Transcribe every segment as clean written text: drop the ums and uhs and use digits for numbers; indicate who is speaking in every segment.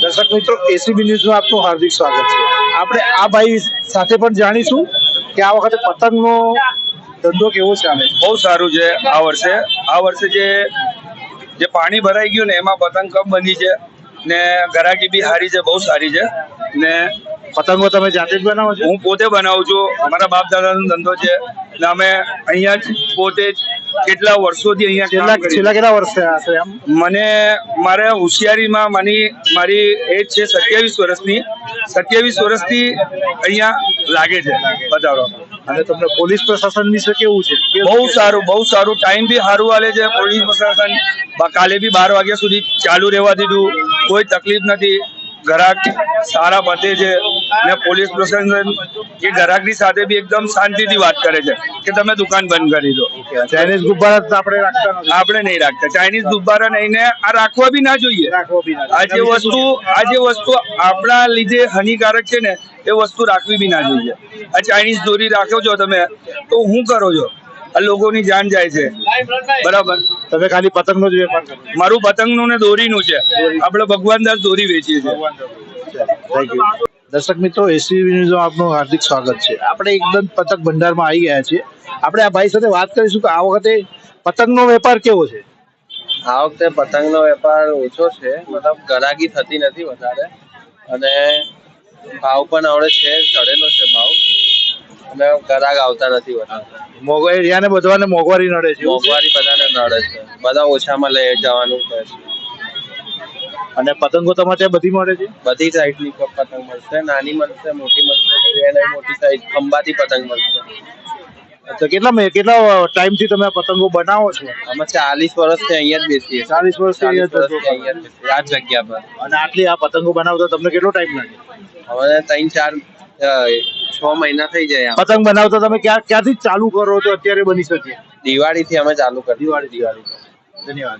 Speaker 1: દર્શક મિત્રો, એસીબી ન્યૂઝમાં આપનું હાર્દિક સ્વાગત છે। આપણે આ ભાઈ સાથે પણ જાણીશું કે આ વખતે પતંગનો ધંધો કેવો ચાલે છે।
Speaker 2: બહુ સારું છે આ વર્ષે જે પાણી ભરાઈ ગયું ને એમાં પતંગ કમ બની છે ને ગરાકી બી સારી છે, બહુ સારી છે ને
Speaker 1: પતંગો તમે જાતે જ બનાવો છો?
Speaker 2: હું પોતે બનાવું છું, અમારા બાપ દાદાનો ધંધો છે ને અમે અહીંયા જ પોતે જ કેટલા વર્ષોથી અહીંયા
Speaker 1: છેલ્લા કેટલા વર્ષ થયા હશે એમ?
Speaker 2: મારે હોશિયારીમાં મારી એજ છે 27 વર્ષની। 27 વર્ષથી અહીંયા લાગે છે પધારો।
Speaker 1: અને તમને પોલીસ પ્રશાસન વિશે કેવું છે?
Speaker 2: બહુ સારું ટાઈમ બી સારું આલે છે પોલીસ પ્રશાસન। કાલે બી 12 વાગ્યા સુધી ચાલુ રહેવા દીધું, કોઈ તકલીફ નથી, ગ્રાહક સારા પતે છે ને પોલીસ પ્રશાસન એ ગ્રાહકની સાથે બી એકદમ શાંતિથી વાત કરે છે કે તમે દુકાન બંધ કરી દો।
Speaker 1: ચાઇનીઝ ગુબ્બારા આપણે
Speaker 2: નહીં રાખતા, ચાઇનીઝ ગુબ્બારા નહીં ને આ રાખવા બી ના જોઈએ। આ જે વસ્તુ આપણા લીધે હાનિકારક છે ને એ વસ્તુ રાખવી બી ના જોઈએ। આ ચાઇનીઝ દોરી રાખો છો તમે તો શું કરો છો? આ લોકોની જાન જાય છે, બરાબર?
Speaker 1: તમે ખાલી પતંગનો જ વેપાર કરો?
Speaker 2: મારું પતંગનું ને દોરીનું છે, આપણે ભગવાનદાસ દોરી વેચીએ છીએ।
Speaker 1: દર્શક મિત્રો, એસીબી ન્યૂઝમાં આપનું હાર્દિક સ્વાગત છે। આપણે એકદમ પતંગ ભંડારમાં આવી ગયા છીએ। આપણે આ ભાઈ સાથે વાત કરીશું કે આ વખતે પતંગનો વેપાર કેવો છે?
Speaker 3: આ વખતે પતંગનો વેપાર ઓછો છે, મતલબ ગરાગી થતી નથી વધારે, અને ભાવ પણ આવડે છે, ચડેલો છે ભાવ, અને ગરાગ આવતા નથી વધારે।
Speaker 1: મોંઘવારી બધાને મોંઘવારી નડે છે?
Speaker 3: મોંઘવારી બધાને નડે છે, બધા ઓછામાં લઈ જવાનું કહે છે।
Speaker 1: અને પતંગો તમારે ત્યાં બધી મળે છે?
Speaker 3: બધી સાઈઝની પતંગ મળશે, નાની મળશે, મોટી મળશે, મોટી સાઈઝ ખંભાતી પતંગ મળશે।
Speaker 1: તો કેટલા ટાઈમથી તમે આ પતંગો બનાવો છો?
Speaker 3: અમે 40 વર્ષથી અહીંયા જ બેસીએ।
Speaker 1: 40 વર્ષથી અહીંયા જ
Speaker 3: બેસીએ આ જગ્યા પર।
Speaker 1: અને આટલી આ પતંગો બનાવતા તમને કેટલો ટાઈમ લાગે?
Speaker 3: હવે 3-4-6 મહિના થઈ જાય।
Speaker 1: પતંગ બનાવતા તમે ક્યાંથી ચાલુ કરો છો અત્યારે બની શકે?
Speaker 3: દિવાળીથી અમે ચાલુ કરી। દિવાળી।
Speaker 1: ધન્યવાદ।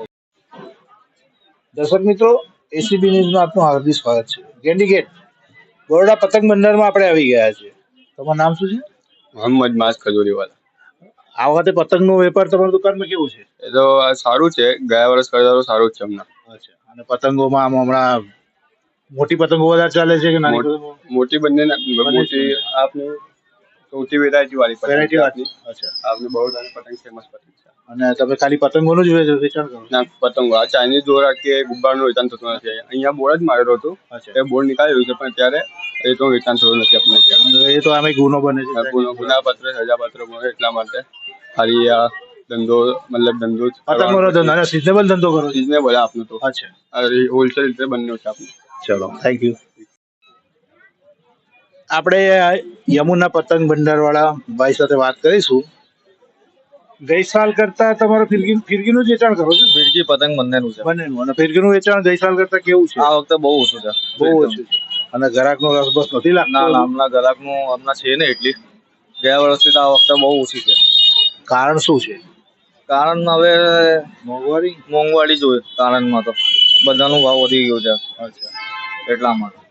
Speaker 1: દર્શક મિત્રો, એસીબી ન્યૂઝમાં આપનું હાર્દિક સ્વાગત છે। ગેંડી ગેટ બરોડા પતંગ ભંડારમાં આપણે આવી ગયા છે। તમારું નામ શું છે?
Speaker 2: મોહમ્મદ માસ ખજૂરીવાલા।
Speaker 1: આ વખતે પતંગનો વેપાર તમારી દુકાનમાં કેવું છે?
Speaker 2: એ તો સારું છે, ગયા વર્ષ કરતા તો સારું જ છે હમણાં।
Speaker 1: અચ્છા, અને પતંગોમાં હમણાં મોટી પતંગો વધારે ચાલે છે કે નાની પતંગો?
Speaker 2: મોટી બંને મોટી આપની સૌથી વેરાયટી વાળી પતંગ।
Speaker 1: અચ્છા,
Speaker 2: આપને બરોડાની પતંગ ફેમસ પતંગ છે।
Speaker 1: અને તમે ખાલી પતંગોનું જ વેચાણ કરો?
Speaker 2: ના, પતંગો આ ચાઇનીઝ દોરા કે ગુબ્બારનું વેચાણ થતું નથી। અહીંયા બોર્ડ જ મારેલો હતો, એ બોર્ડ નીકાળી રહ્યું છે, પણ અત્યારે એ તો વેચાણ થતું નથી આપણે ત્યાં।
Speaker 1: એ તો આમે ગુનો બને છે,
Speaker 2: ગુનાપત્ર સજાપત્ર બને, એટલા માટે ખાલી આ ધંધો ધંધો
Speaker 1: પતંગોનો ધંધો સિઝનેબલ ધંધો કરો?
Speaker 2: સિઝનેબલ આપનું તો।
Speaker 1: અચ્છા,
Speaker 2: હોલસેલ રીતે બંને છે આપનું।
Speaker 1: ચલો, થેન્ક યુ। આપણે યમુના પતંગ ભંડાર વાળા ભાઈ સાથે વાત કરીશું। ગઈ સાલ કરતા તમારે ફિરકીનું જ વેચાણ કરો છો?
Speaker 3: ફિરકી પતંગ બંનેનું છે।
Speaker 1: બંનેનું। અને ફિરકીનું વેચાણ ગઈ સાલ કરતા કેવું છે?
Speaker 3: આ વખતે બહુ ઓછું છે,
Speaker 1: બહુ ઓછું છે। અને ગ્રાહકનો રસબસ નથી લાગતો?
Speaker 3: ના, હમણાં ગ્રાહકનું હમણાં છે ને એટલી, ગયા વર્ષથી આ વખતે બહુ ઓછી છે।
Speaker 1: કારણ શું છે?
Speaker 3: કારણ હવે
Speaker 1: મોંઘવારી
Speaker 3: જોઈએ કારણમાં તો બધાનો ભાવ વધી ગયો છે,
Speaker 1: અચ્છા,
Speaker 3: એટલા માટે।